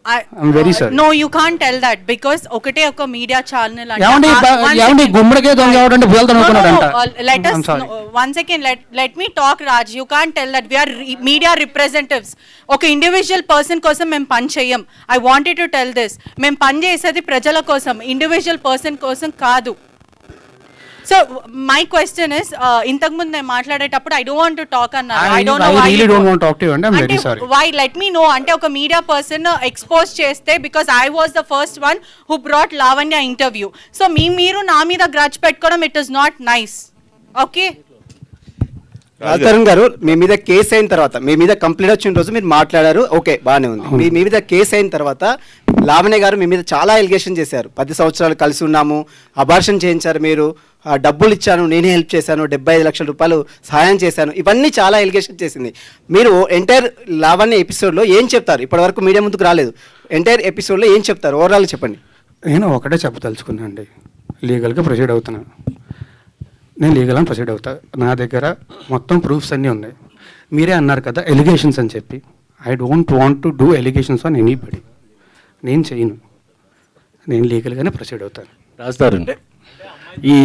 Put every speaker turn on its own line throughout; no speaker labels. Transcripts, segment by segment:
I'm very sorry.
No, you can't tell that because ఒకటే ఒక media channel
ఏమండి గుమ్మడికే దొంగ ఎవడంటే బుల్త అనుకున్నాడంట.
let us one second, let me talk, Raj. You can't tell that we are media representatives. ఒక ఇండివిజువల్ పర్సన్ కోసం మేము పని చేయం. I wanted to tell this. మేము పని చేసేది ప్రజల కోసం, ఇండివిజువల్ పర్సన్ కోసం కాదు. So my question is, ఇంతకు ముందు నేను మాట్లాడేటప్పుడు I don't want to talk అన్నారు. I don't know why.
I really don't want to talk to you and I'm very sorry.
Why? Let me know. అంటే ఒక media person expose చేస్తే because I was the first one who brought Lavanya interview. So మీరు నా మీద grudge పెట్టుకోవడం it is not nice. Okay?
Raj Tarun గారు, మీ మీద case అయిన తర్వాత, మీ మీద కంప్లైంట్ వచ్చిన రోజు మీరు మాట్లాడారు, ఓకే బాగానే ఉంది. మీ మీద కేసు అయిన తర్వాత లావణ్య గారు మీ మీద చాలా ఎలిగేషన్ చేశారు. 10 సంవత్సరాలు కలిసి ఉన్నాము, అబార్షన్ చేయించారు, మీరు డబ్బులు ఇచ్చాను, నేనే హెల్ప్ చేశాను, 75 లక్షల రూపాయలు సహాయం చేశాను, ఇవన్నీ చాలా ఎలిగేషన్ చేసింది. మీరు ఎంటైర్ లావణ్య ఎపిసోడ్లో ఏం చెప్తారు? ఇప్పటివరకు మీడియా ముందుకు రాలేదు. ఎంటైర్ ఎపిసోడ్లో ఏం చెప్తారు? ఓవరాల్ చెప్పండి.
నేను ఒకటే చెప్పదలుచుకున్నా అండి, లీగల్గా ప్రొసీడ్ అవుతున్నాను. నేను లీగల్ అని ప్రొసీడ్ అవుతా. నా దగ్గర మొత్తం ప్రూఫ్స్ అన్నీ ఉన్నాయి. మీరే అన్నారు కదా ఎలిగేషన్స్ అని చెప్పి. I don't want to do allegations on anybody. నేను చేయను. నేను లీగల్గానే ప్రొసీడ్ అవుతాను.
రాస్తారు ఈ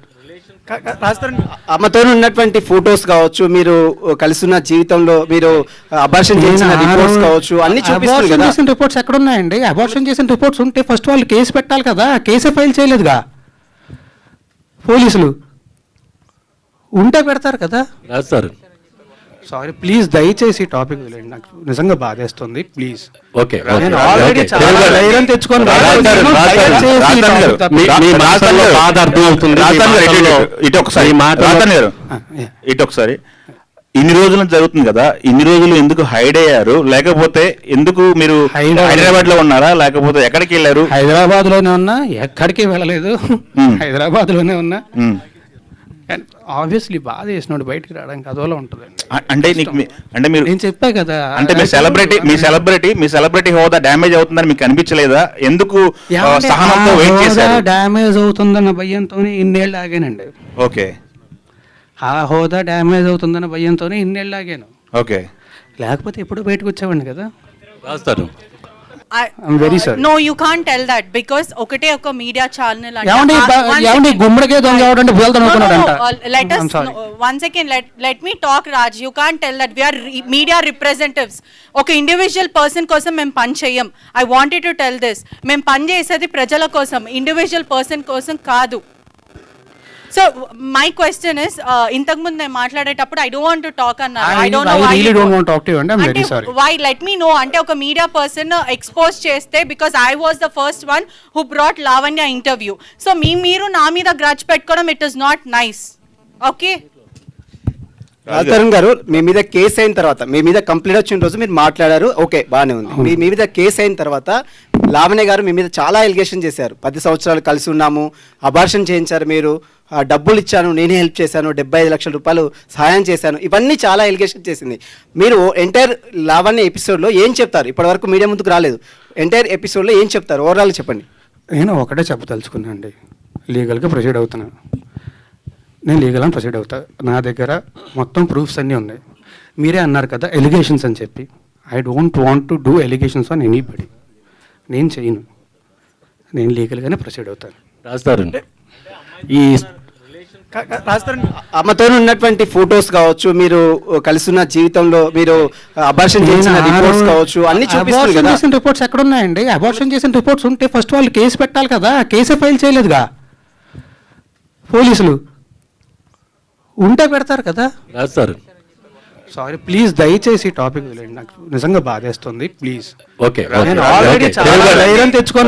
అమ్మతో ఉన్నటువంటి ఫొటోస్ కావచ్చు, మీరు కలిసి ఉన్న జీవితంలో మీరు అబార్షన్ చేసిన రిపోర్ట్స్ కావచ్చు, అన్ని చూపిస్తారు కదా.
చేసిన రిపోర్ట్స్ ఎక్కడ ఉన్నాయండి? అబార్షన్ చేసిన రిపోర్ట్స్ ఉంటే ఫస్ట్ వాళ్ళు కేసు పెట్టాలి కదా. కేసే ఫైల్ చేయలేదుగా పోలీసులు. ఉంటే పెడతారు కదా.
రాస్తారు.
సారీ ప్లీజ్, దయచేసి టాపిక్ వదిలేండి. నాకు నిజంగా బాధేస్తుంది ప్లీజ్.
ఓకే,
నేను ఆల్రెడీ చాలా ధైర్యం తెచ్చుకొని
ఇటు ఒకసారి ఇన్ని రోజులు జరుగుతుంది కదా, ఇన్ని రోజులు ఎందుకు హైడ్ అయ్యారు? లేకపోతే ఎందుకు మీరు హైదరాబాద్ లో ఉన్నారా, లేకపోతే ఎక్కడికి వెళ్ళారు?
హైదరాబాద్ లోనే ఉన్నా, ఎక్కడికి వెళ్ళలేదు. హైదరాబాద్ లోనే ఉన్నా. ఆబ్వియస్లీ బాధ చేసినోడు బయటికి రావడానికి అదోలా ఉంటుంది.
అంటే అంటే మీరు
నేను చెప్పా కదా,
అంటే మీ సెలబ్రిటీ హోదా డ్యామేజ్ అవుతుందని మీకు అనిపించలేదా? ఎందుకు సహనంతో వెయిట్ చేశారు?
డ్యామేజ్ అవుతుందన్న భయంతోనే ఇన్నేళ్ళు ఆగానండి.
ఓకే,
ఆ హోదా డ్యామేజ్ అవుతుందన్న భయంతోనే ఇన్నేళ్ళు ఆగాను.
ఓకే,
లేకపోతే ఎప్పుడు బయటకు వచ్చేవాడిని కదా.
రాస్తారు.
I'm very sorry.
No, you can't tell that because ఒకటే ఒక మీడియా ఛానల్
ఏమండి గుమ్మడికే దొంగ ఎవడంటే బుల్త అనుకున్నాడంట.
let us one second, let me talk, Raj. You can't tell that we are media representatives. ఒక ఇండివిజువల్ పర్సన్ కోసం మేము పని చేయం. I wanted to tell this. మేము పని చేసేది ప్రజల కోసం, ఇండివిజువల్ పర్సన్ కోసం కాదు. So my question is, ఇంతకు ముందు నేను మాట్లాడేటప్పుడు I don't want to talk అన్నారు. I don't know why.
I really don't want to talk to you and I'm very sorry.
Why? Let me know. అంటే ఒక media person expose చేస్తే because I was the first one who brought Lavanya interview. So మీరు నా మీద grudge పెట్టుకోవడం it is not nice. Okay?
Raj Tarun గారు, మీ మీద case అయిన తర్వాత, మీ మీద కంప్లైంట్ వచ్చిన రోజు మీరు మాట్లాడారు, ఓకే బాగానే ఉంది. మీ మీద కేసు అయిన తర్వాత లావణ్య గారు మీ మీద చాలా ఎలిగేషన్ చేశారు. 10 సంవత్సరాలు కలిసి ఉన్నాము, అబార్షన్ చేయించారు, మీరు డబ్బులు ఇచ్చాను, నేనే హెల్ప్ చేశాను, 75 లక్షల రూపాయలు సహాయం చేశాను, ఇవన్నీ చాలా ఎలిగేషన్ చేసింది. మీరు ఎంటైర్ లావణ్య ఎపిసోడ్లో ఏం చెప్తారు? ఇప్పటివరకు మీడియా ముందుకు రాలేదు. ఎంటైర్ ఎపిసోడ్లో ఏం చెప్తారు? ఓవరాల్ చెప్పండి.
నేను ఒకటే చెప్పదలుచుకున్నా అండి, లీగల్గా ప్రొసీడ్ అవుతున్నాను. నేను లీగల్ అని ప్రొసీడ్ అవుతా. నా దగ్గర మొత్తం ప్రూఫ్స్ అన్నీ ఉన్నాయి. మీరే అన్నారు కదా ఎలిగేషన్స్ అని చెప్పి. I don't want to do allegations on anybody. నేను చేయను. నేను లీగల్గానే ప్రొసీడ్ అవుతాను.
రాస్తారు. ఈ
అమ్మతో ఉన్నటువంటి ఫొటోస్ కావచ్చు, మీరు కలిసి ఉన్న జీవితంలో మీరు అబార్షన్ చేసిన రిపోర్ట్స్ కావచ్చు, అన్ని చూపిస్తారు కదా.
చేసిన రిపోర్ట్స్ ఎక్కడ ఉన్నాయండి? అబార్షన్ చేసిన రిపోర్ట్స్ ఉంటే ఫస్ట్ వాళ్ళు కేసు పెట్టాలి కదా. కేసే ఫైల్ చేయలేదుగా పోలీసులు. ఉంటే పెడతారు కదా.
రాస్తారు.
సారీ ప్లీజ్, దయచేసి టాపిక్ వదిలేండి. నాకు నిజంగా బాధేస్తుంది ప్లీజ్.
ఓకే,
నేను ఆల్రెడీ చాలా ధైర్యం తెచ్చుకొని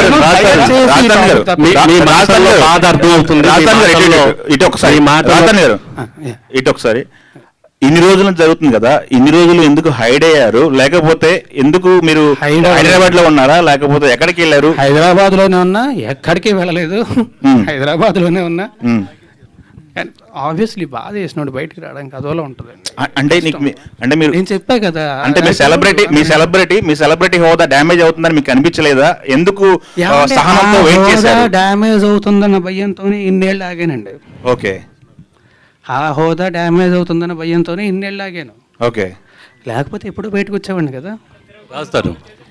ఇటు ఒకసారి ఇన్ని రోజులు జరుగుతుంది కదా, ఇన్ని రోజులు ఎందుకు హైడ్ అయ్యారు? లేకపోతే ఎందుకు మీరు హైదరాబాద్ లో ఉన్నారా, లేకపోతే ఎక్కడికి వెళ్ళారు?
హైదరాబాద్ లోనే ఉన్నా, ఎక్కడికి వెళ్ళలేదు. హైదరాబాద్ లోనే ఉన్నా. ఆబ్వియస్లీ బాధ చేసినోడు బయటికి రావడానికి అదోలా ఉంటుంది.
అంటే అంటే మీరు
నేను చెప్పా కదా,
అంటే మీ సెలబ్రిటీ హోదా డ్యామేజ్ అవుతుందని మీకు అనిపించలేదా? ఎందుకు సహనంతో వెయిట్ చేశారు?
డ్యామేజ్ అవుతుందన్న భయంతోనే ఇన్నేళ్ళు ఆగానండి.
ఓకే,
ఆ హోదా డ్యామేజ్ అవుతుందన్న భయంతోనే ఇన్నేళ్ళు ఆగాను.
ఓకే,
లేకపోతే ఎప్పుడు బయటకు వచ్చేవాడిని కదా.
రాస్తారు.